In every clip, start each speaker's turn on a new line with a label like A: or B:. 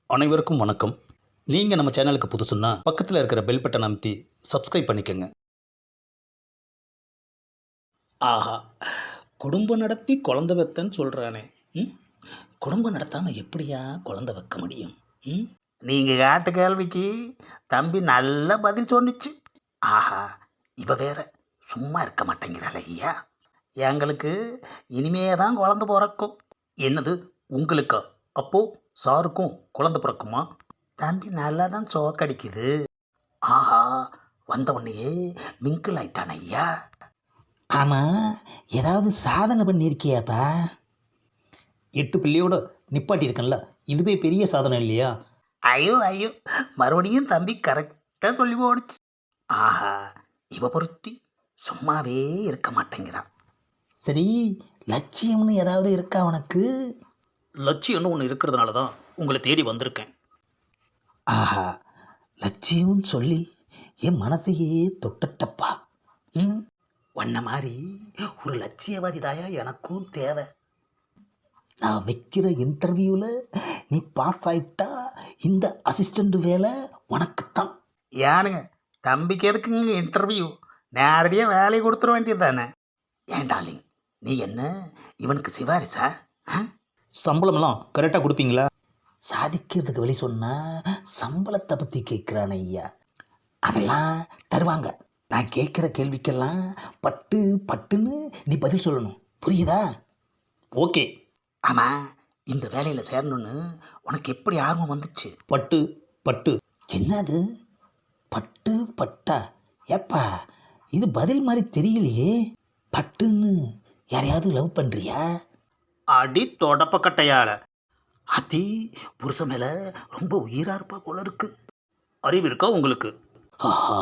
A: அனைவருக்கும் வணக்கம். நீங்கள் நம்ம சேனலுக்கு புதுசுன்னா பக்கத்தில் இருக்கிற பெல் பட்டனை அமைத்தி சப்ஸ்கிரைப் பண்ணிக்கோங்க. ஆஹா, குடும்பம் நடத்தி குழந்தை வைத்தன்னு சொல்கிறானே. ம் குடும்பம் நடத்தாமல் எப்படியா குழந்தை வைக்க முடியும்? நீங்கள் கேட்ட கேள்விக்கு தம்பி நல்ல பதில் சொன்னிச்சு. ஆஹா, இவ வேற சும்மா இருக்க மாட்டேங்கிறாள் ஐயா. எங்களுக்கு இனிமே தான் குழந்தை பிறக்கும். என்னது உங்களுக்கா? அப்போ சாருக்கும் குழந்தை பிறக்குமா? தம்பி நல்லா தான் சோக்கடிக்குது. ஆஹா, வந்த உடனேயே மிங்கிள் ஆயிட்டான் ஐயா.
B: ஆமாம், ஏதாவது சாதனை பண்ணியிருக்கியாப்பா?
A: 8 பிள்ளையோட நிப்பாட்டியிருக்கேன்ல, இதுவே பெரிய சாதனை இல்லையா? ஐயோ ஐயோ, மறுபடியும் தம்பி கரெக்டாக சொல்லி போடுச்சு. ஆஹா, இவ பொருத்தி சும்மாவே இருக்க மாட்டேங்கிறான்.
B: சரி, லட்சியம்னு ஏதாவது இருக்கா உனக்கு?
A: லட்சியம்னு ஒன்று இருக்கிறதுனால தான் உங்களை தேடி வந்திருக்கேன்.
B: ஆஹா, லட்சியம்னு சொல்லி என் மனசையே தொட்டட்டப்பா.
A: உன்ன மாதிரி ஒரு லட்சியவாதி தாயா எனக்கும் தேவை.
B: நான் வைக்கிற இன்டர்வியூவில் நீ பாஸ் ஆயிட்டா இந்த அசிஸ்டண்ட் வேலை உனக்குத்தான்.
A: ஏனுங்க, தம்பிக்கு எதுக்குங்க இன்டர்வியூ? நேரடியாக வேலையை கொடுத்துட வேண்டியது தானே. ஏண்டாலிங், நீ என்ன இவனுக்கு சிவாரிசா? சம்பளமெல்லாம் கரெக்டாக கொடுப்பீங்களா?
B: சாதிக்கிறதுக்கு வழி சொன்னால் சம்பளத்தை பற்றி கேட்குறான் ஐயா. அதெல்லாம் தருவாங்க. நான் கேட்குற கேள்விக்கெல்லாம் பட்டு பட்டுன்னு நீ பதில் சொல்லணும், புரியுதா?
A: ஓகே. ஆமாம், இந்த வேலையில் சேரணுன்னு உனக்கு எப்படி ஆர்வம் வந்துச்சு? பட்டு பட்டு.
B: என்னது பட்டு பட்டா? ஏப்பா, இது பதில் மாதிரி தெரியலையே. பட்டுன்னு யாரையாவது லவ் பண்ணுறியா?
A: அடி தொடப்பக்கட்டையால் அதி புருஷன் மேலே ரொம்ப உயிராக இருப்பா போல இருக்கு. அறிவு இருக்கா உங்களுக்கு?
B: ஆஹா,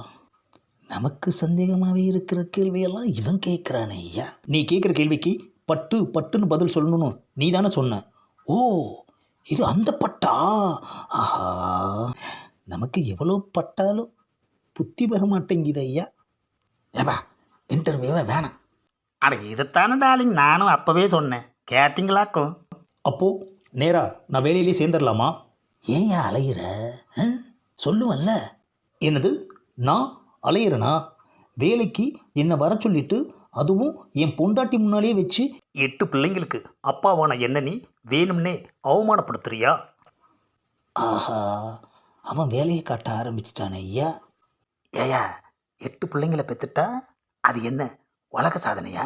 B: நமக்கு சந்தேகமாகவே இருக்கிற கேள்வியெல்லாம் இவன் கேட்குறானே ஐயா.
A: நீ கேட்குற கேள்விக்கு பட்டு பட்டுன்னு பதில் சொல்லணும்னு நீ தானே சொன்ன.
B: ஓ, இது அந்த பட்டா? ஆஹா, நமக்கு எவ்வளோ பட்டாலும் புத்தி வர மாட்டேங்குது ஐயா. ஏப்பா, இன்டர்வியூவே வேணாம்.
A: அட, இதைத்தானே டார்லிங் நானும் அப்போவே சொன்னேன், கேட்டிங்களாக்கும். அப்போது நேராக நான் வேலையிலே சேர்ந்துடலாமா?
B: ஏன் அலையிற? சொல்லுவல்ல.
A: என்னது, நான் அலையிறனா? வேலைக்கு என்னை வர சொல்லிட்டு, அதுவும் என் பொண்டாட்டி முன்னாலேயே வச்சு 8 பிள்ளைங்களுக்கு அப்பாவான என்ன நீ வேணும்னே அவமானப்படுத்துறியா?
B: ஆஹா, அவன் வேலையை காட்ட ஆரம்பிச்சிட்டானே ஐயா.
A: ஏயா, 8 பிள்ளைங்களை பெற்றுட்டா அது என்ன உலக சாதனையா?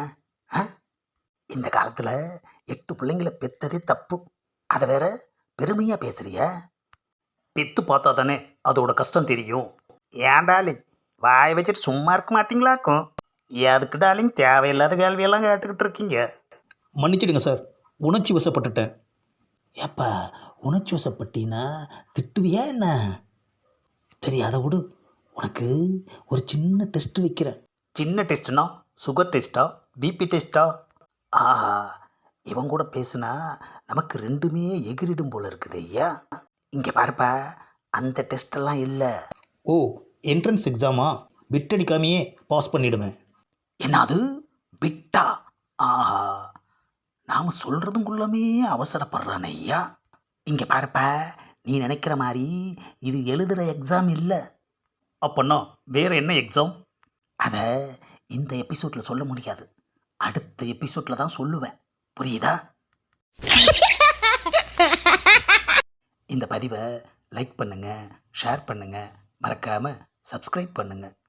A: இந்த காலத்தில் 8 பிள்ளைங்களை பெற்றதே தப்பு. அதை வேற பெருமையாக பேசுறியா? பெற்று பார்த்தா தானே அதோட கஷ்டம் தெரியும். ஏன் டார்லிங், வாய் வச்சுட்டு சும்மா இருக்க மாட்டிங்களாக்கும். எதுக்கு டார்லிங் தேவையில்லாத கேள்வியெல்லாம் கேட்டுக்கிட்டு இருக்கீங்க? மன்னிச்சிடுங்க சார், உணர்ச்சி வசப்பட்டுட்டேன்.
B: ஏப்பா, உணர்ச்சி வசப்பட்டினா திட்டுவியா என்ன? சரி, அதை விடு. உனக்கு ஒரு சின்ன டெஸ்ட் வைக்கிறேன்.
A: சின்ன டெஸ்ட்னா சுகர் டெஸ்ட்டா, பிபி டெஸ்ட்டா? ஆஹா, இவன் கூட பேசுனா நமக்கு ரெண்டுமே எகிரிடும் போல இருக்குது ஐயா. இங்கே பாருப்பா, அந்த டெஸ்டெல்லாம் இல்லை. ஓ, என்ட்ரன்ஸ் எக்ஸாமா? பிட்டடிக்காமையே பாஸ் பண்ணிவிடுவேன். என்னது பிட்டா? ஆஹா, நாம் சொல்கிறதுக்குள்ளமே அவசரப்படுறானே ஐயா. இங்கே பாருப்பா, நீ நினைக்கிற மாதிரி இது எழுதுகிற எக்ஸாம் இல்லை. அப்போன்னா வேறு என்ன எக்ஸாம்? அதை இந்த எபிசோடில் சொல்ல முடியாது, அடுத்த எபிசோடில் தான் சொல்லுவேன், புரியுதா? இந்த பதிவை லைக் பண்ணுங்கள், ஷேர் பண்ணுங்கள், மறக்காமல் சப்ஸ்கிரைப் பண்ணுங்கள்.